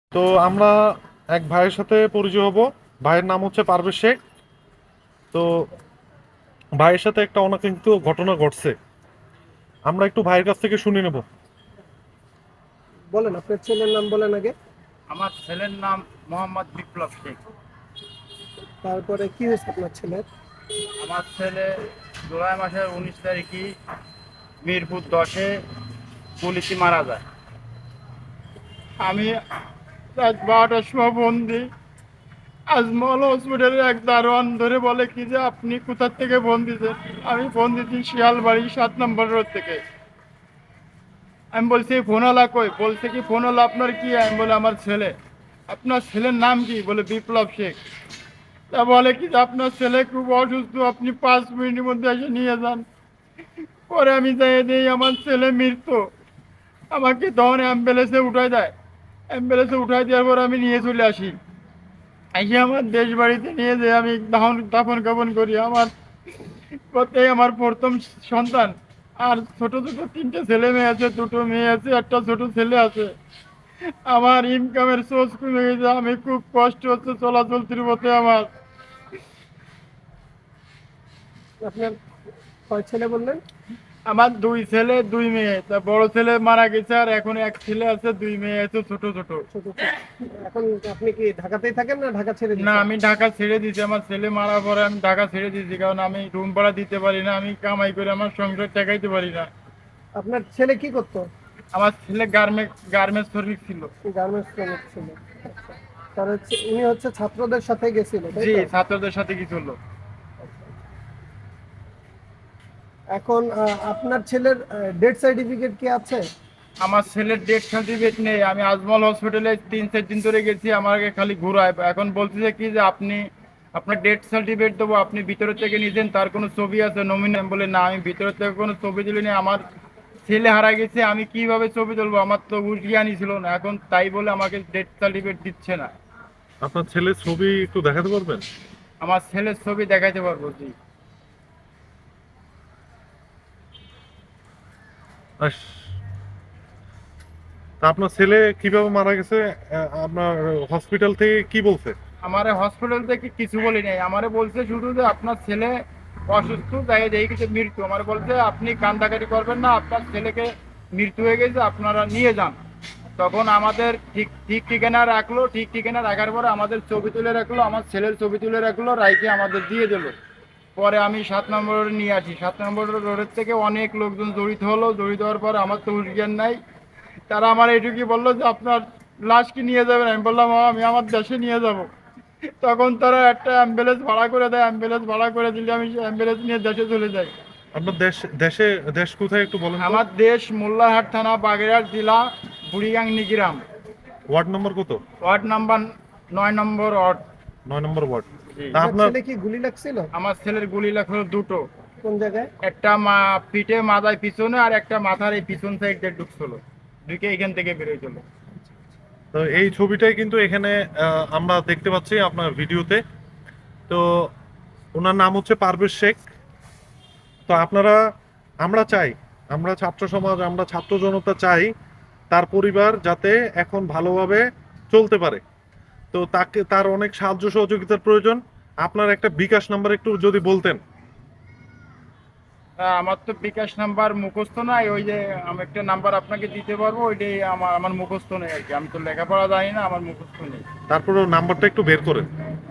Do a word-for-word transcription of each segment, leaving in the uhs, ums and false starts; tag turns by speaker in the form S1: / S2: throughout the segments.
S1: তো আমরা এক ভাইয়ের সাথে পরিচয় হব। ভাইয়ের নাম হচ্ছে পারভেজ শেখ। তো ভাইয়ের সাথে একটা অনাকাঙ্ক্ষিত ঘটনা ঘটছে, আমরা একটু ভাইয়ের কাছ থেকে শুনে নেব।
S2: বলেন, আপনার ছেলের নাম বলেন আগে।
S3: আমার ছেলের নাম মোহাম্মদ বিপ্লব শেখ।
S2: তারপরে কি হয়েছে আপনার ছেলের?
S3: আমার ছেলে জুলাই মাসের উনিশ তারিখে মিরপুর দশে পুলিশে মারা যায়। আমি রাত বারোটার সময় বন্দি। আজমল হসপিটালের এক দারোয়ান ধরে বলে কি যে আপনি কোথার থেকে ফোন দিয়েছেন। আমি ফোন দিচ্ছি শিয়ালবাড়ি সাত নম্বর রোড থেকে। আমি বলছি ফোনওয়ালা কই? বলছে কি ফোনওয়ালা আপনার কি? আমি বলে আমার ছেলে। আপনার ছেলের নাম কি? বলে বিপ্লব শেখ। তা বলে কি যে আপনার ছেলে খুব অসুস্থ, আপনি পাঁচ মিনিটের মধ্যে এসে নিয়ে যান। পরে আমি যাই দিই, আমার ছেলে মৃত্যু। আমাকে তখন অ্যাম্বুলেন্সে উঠাই দেয়। অ্যাম্বুলেন্সে উঠাই দেওয়ার পর আমি নিয়ে চলে আসি। এসে আমার দেশ বাড়িতে নিয়ে যেয়ে আমি দাহন দাফন কাফন করি। আমার প্রত্যেক আমার প্রথম সন্তান। আর ছোট ছোট তিনটে ছেলে মেয়ে আছে, দুটো মেয়ে আছে, একটা ছোট ছেলে আছে। আমার ইনকামের সোর্স কমে গেছে, আমি খুব কষ্ট হচ্ছে চলাচলতির পথে আমার।
S2: আপনার কয় ছেলে বললেন?
S3: আমার দুই ছেলে দুই মেয়ে। তা বড় ছেলে মারা গেছে, আর এখন এক ছেলে আছে, দুই মেয়ে আছে ছোট ছোট।
S2: ছোট ছোট। এখন আপনি কি ঢাকাতেই থাকেন না ঢাকা ছেড়ে
S3: না,
S2: দিচ্ছেন?
S3: আমি ঢাকা ছেড়ে দিয়েছি। আমার ছেলে মারা পরে আমি ঢাকা ছেড়ে দিয়েছি, কারণ আমি রুম ভাড়া দিতে পারি না, আমি কামাই করে আমার সংসার টেকাইতে পারি না।
S2: আপনার ছেলে কি করতো?
S3: আমার ছেলে গার্মেন্টস গার্মেন্টস শ্রমিক ছিল।
S2: গার্মেন্টস শ্রমিক ছিল। আচ্ছা। তার হচ্ছে উনি হচ্ছে ছাত্রদের সাথে গেছিল, তাই
S3: জি,
S2: তো?
S3: ছাত্রদের সাথে কি চললো।
S2: এখন আহ, আপনার ছেলের ডেথ সার্টিফিকেট কি আছে?
S3: আমার ছেলের ডেথ সার্টিফিকেট নেই। আমি আজমল হসপিটালে তিন চার দিন ধরে গেছি, আমাকে খালি ঘুরায়। এখন বলতেছে কি যে আপনি আপনার ডেথ সার্টিফিকেট দেবো, আপনি ভিতরের থেকে নিয়েছেন, তার কোনো ছবি আছে নমিনি? আমি বলে না, আমি ভিতরের থেকে কোনো ছবি তুলি নি। আমার ছেলে হারা গেছে, আমি কিভাবে ছবি তুলবো? আমার তো হুঁশ জ্ঞানই ছিল না। এখন তাই বলে আমাকে ডেথ সার্টিফিকেট দিচ্ছে না।
S1: আপনার ছেলের ছবি একটু দেখাতে পারবেন?
S3: আমার ছেলের ছবি দেখাইতে পারবো জি।
S1: আস, তা আপনার ছেলে কিভাবে মারা গেছে? আহ, আপনার হসপিটাল থেকে কি বলছে?
S3: আমার হসপিটাল থেকে কিছু বলি নাই। আমারে বলছে শুধু যে আপনার ছেলে অসুস্থ, তাই এই কিছু মৃত্যু। আমার বলছে আপনি কান্দাকাটি করবেন না, আপনার ছেলেকে মৃত্যু হয়ে গেছে, আপনারা নিয়ে যান। তখন আমাদের ঠিক ঠিক ঠিকানা রাখলো। ঠিক ঠিকানা রাখার পরে আমাদের ছবি তুলে রাখলো, আমার ছেলের ছবি তুলে রাখলো, রাইকে আমাদের দিয়ে দিলো। পরে আমি সাত নম্বর রোডে নিয়ে আসি। সাত নম্বর রোডের থেকে অনেক লোকজন জড়িত হলো। জড়িত হওয়ার পর আমার তো হুঁশ জ্ঞান নাই। তারা আমার এইটুকুই বললো যে আপনার লাশ কি নিয়ে যাবেন? আমি বললাম "হ্যাঁ, আমি আমার দেশে নিয়ে যাব"। তখন তারা একটা অ্যাম্বুলেন্স ভাড়া করে দেয়। অ্যাম্বুলেন্স ভাড়া করে দিলে আমি অ্যাম্বুলেন্স নিয়ে দেশে চলে যাই।
S1: আপনার দেশ দেশে দেশ কোথায় একটু বলেন তো?
S3: আমার দেশ মোল্লারহাট থানা, বাগেরহাট জেলা, বুড়িগাংনি গ্রাম,
S1: ওয়ার্ড নম্বর কত?
S3: ওয়ার্ড নাম্বার নয় নম্বর ওয়ার্ড।
S1: নয় নম্বর ওয়ার্ড।
S3: জি।
S1: তা
S2: আপনার
S1: আপনার
S2: ছেলে কি গুলি লাগছিল?
S3: আমার ছেলের গুলি লাগলো দুটো।
S2: কোন জায়গায়?
S3: একটা মা পিঠে মাথায় পিছনে, আর একটা মাথার এই পিছন সাইড দিয়ে ঢুকছিল, ঢুকে এখান থেকে বেরোয় চলো।
S1: তো এই ছবিটাই কিন্তু এখানে আহ, আমরা দেখতে পাচ্ছি আপনার ভিডিওতে। তো ওনার নাম হচ্ছে পারভেজ শেখ। তো আপনারা, আমরা চাই, আমরা ছাত্র সমাজ, আমরা ছাত্র জনতা চাই তার পরিবার যাতে এখন ভালোভাবে চলতে পারে। তো তাকে, তার অনেক সাহায্য সহযোগিতার প্রয়োজন। আপনার একটা বিকাশ নাম্বার একটু যদি বলতেন।
S3: তা আমার তো বিকাশ নাম্বার মুখস্থ নাই। ওই যে আমি একটা নাম্বার আপনাকে দিতে পারবো, ওইটাই আমার আমার মুখস্থ নেই আর কি। আমি তো লেখাপড়া জানি না, আমার মুখস্থ নেই।
S1: তারপরে নাম্বারটা একটু বের করেন।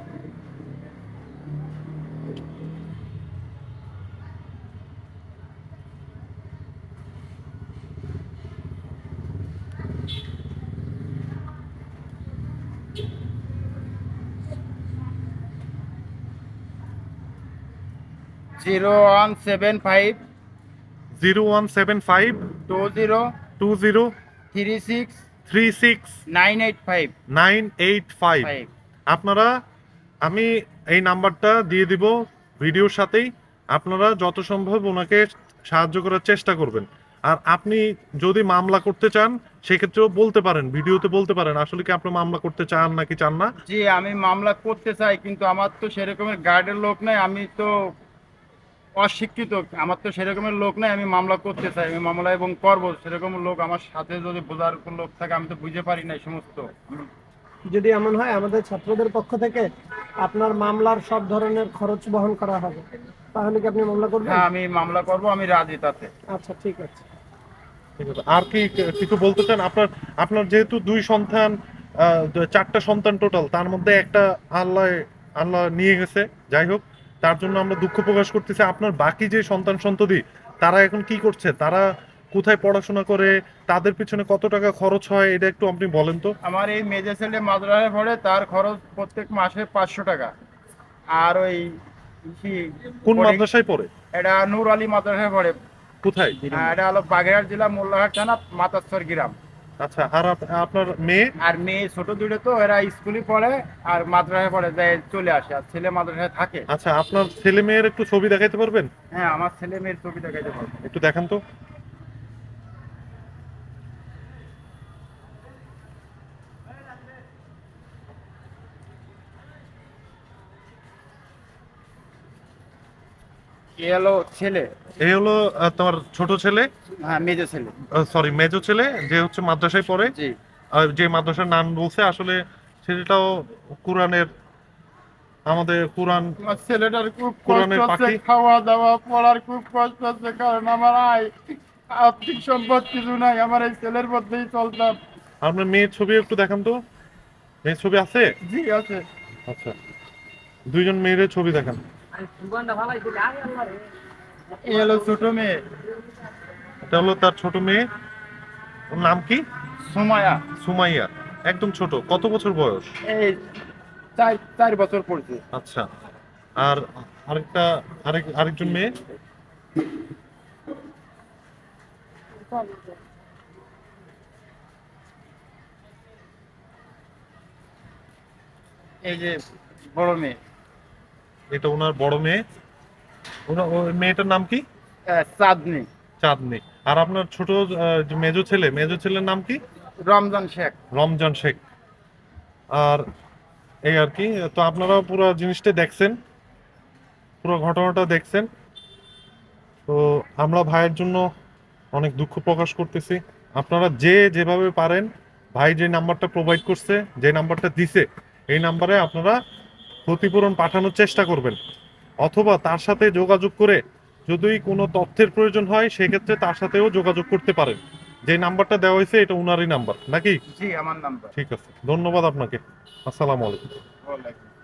S3: Zero one seven five
S1: zero one seven five
S3: two zero
S1: two zero
S3: three six
S1: three six
S3: nine eight five
S1: nine eight five.
S3: Five.
S1: আপনারা, আমি এই নাম্বারটা দিয়ে দিব ভিডিওর সাথেই। আপনারা যত সম্ভব ওনাকে সাহায্য করার চেষ্টা করবেন। আর আপনি যদি মামলা করতে চান সেক্ষেত্রেও বলতে পারেন, ভিডিওতে বলতে পারেন আসলে কি আপনি মামলা করতে চান নাকি চান না।
S3: জি, আমি মামলা করতে চাই, কিন্তু আমার তো সেরকমের গার্ডের লোক নাই। আমি তো অশিক্ষিত, আমার তো সেরকমের লোক নাই। আমি মামলা করতে চাই, আমি মামলা এবং করবো। সেরকম লোক আমার সাথে যদি বোঝার লোক থাকে, আমি তো বুঝতে পারি না এই সমস্ত।
S2: যদি এমন হয় আমাদের ছাত্রদের পক্ষ থেকে আপনার মামলার সব ধরনের খরচ বহন করা হবে, তাহলে কি আপনি মামলা করবেন?
S3: হ্যাঁ, আমি মামলা করব, আমি রাজি তাতে।
S2: আচ্ছা, ঠিক আছে।
S1: ঠিক আছে, আর কি কিছু বলতে চান? আপনার আপনার যেহেতু দুই সন্তান, আহ, চারটা সন্তান টোটাল, তার মধ্যে একটা আল্লাহ আল্লাহ নিয়ে গেছে, যাই হোক, তার জন্য আমরা দুঃখ প্রকাশ করতেছি। আপনার বাকি যে সন্তান সন্ততি, তারা এখন কি করছে? তারা কোথায় পড়াশোনা করে? তাদের পিছনে কত টাকা খরচ হয়, এটা একটু আপনি বলেন তো।
S3: আমার এই মেজে ছেলে মাদ্রাসায় পড়ে, তার খরচ প্রত্যেক মাসে পাঁচশো টাকা। আর ওই কি-
S1: কোন
S3: পরে-
S1: মাদ্রাসায় পড়ে?
S3: এটা নূর আলী মাদ্রাসায় পড়ে।
S1: কোথায়?
S3: হ্যাঁ, এটা হলো বাগেরহাট জেলা মোল্লাহাট থানা মাতাচ্ছর গ্রাম।
S1: আচ্ছা, আর আপ- আপনার মেয়ে?
S3: আর মেয়ে ছোট দুটো তো এরা স্কুলে পড়ে আর মাদ্রাসায় পড়ে, যায় চলে আসে, আর ছেলে মাদ্রাসায় থাকে।
S1: আচ্ছা, আপনার ছেলে মেয়ের একটু ছবি দেখাইতে পারবেন?
S3: হ্যাঁ, আমার ছেলে মেয়ের ছবি দেখাইতে পারবো।
S1: একটু দেখান তো।
S3: এ হলো ছেলে।
S1: এই হলো আহ, তোমার ছোট ছেলে,
S3: হ্যাঁ, মেজো ছেলে।
S1: সরি মেজো ছেলে, যে হচ্ছে মাদ্রাসায় পড়ে।
S3: জি।
S1: আর যে মাদ্রাসার নাম বলছে, আসলে ছেলেটাও কোরআনের, আমাদের কোরআন
S3: আমার ছেলেটার খুব কষ্ট
S1: কোরআনের
S3: হচ্ছে,
S1: পাখি।
S3: খাওয়া দাওয়া পড়ার খুব কষ্ট হচ্ছে, কারণ আমার আয় আর্থিক সম্পদ কিছু নাই, আমার এই ছেলের মধ্যেই চলতাম।
S1: আপনার মেয়ের ছবি একটু দেখান তো। মেয়ের ছবি আছে?
S3: জি আছে।
S1: আচ্ছা, দুইজন মেয়ের ছবি দেখান।
S3: এ হলো ছোট মেয়ে,
S1: এটা হলো তার ছোট মেয়ে। ওর নাম কি?
S3: সুমায়া।
S1: সুমাইয়া। একদম ছোট, কত বছর বয়স?
S3: এই চার চার বছর পড়ছে।
S1: আচ্ছা, আর আরেকটা আরেক আরেকজন মেয়ে?
S3: এই যে বড় মেয়ে,
S1: এটা ওনার বড় মেয়ে। ওনা- ওই মেয়েটার নাম কি?
S3: আহ, চাঁদনি।
S1: চাঁদনি। আর আপনার ছোট আহ, যে মেজো ছেলে, মেজো ছেলের নাম কি?
S3: রমজান শেখ।
S1: রমজান শেখ। আর এই আর কি। তো আপনারা পুরো জিনিসটা দেখছেন, পুরো ঘটনাটা দেখছেন। তো আমরা ভাইয়ের জন্য অনেক দুঃখ প্রকাশ করতেছি। আপনারা যে যেভাবে পারেন, ভাই যে নাম্বারটা প্রোভাইড করছে, যে নাম্বারটা দিছে, এই নাম্বারে আপনারা ক্ষতিপূরণ পাঠানোর চেষ্টা করবেন, অথবা তার সাথে যোগাযোগ করে যদি কোনো তথ্যের প্রয়োজন হয়, সেক্ষেত্রে তার সাথেও যোগাযোগ করতে পারেন। যে নাম্বারটা দেওয়া হয়েছে এটা উনারই নাম্বার নাকি?
S3: জি, আমার নাম্বার।
S1: ঠিক আছে, ধন্যবাদ আপনাকে। আসসালামু আলাইকুম।
S3: ওয়ালাইকুম।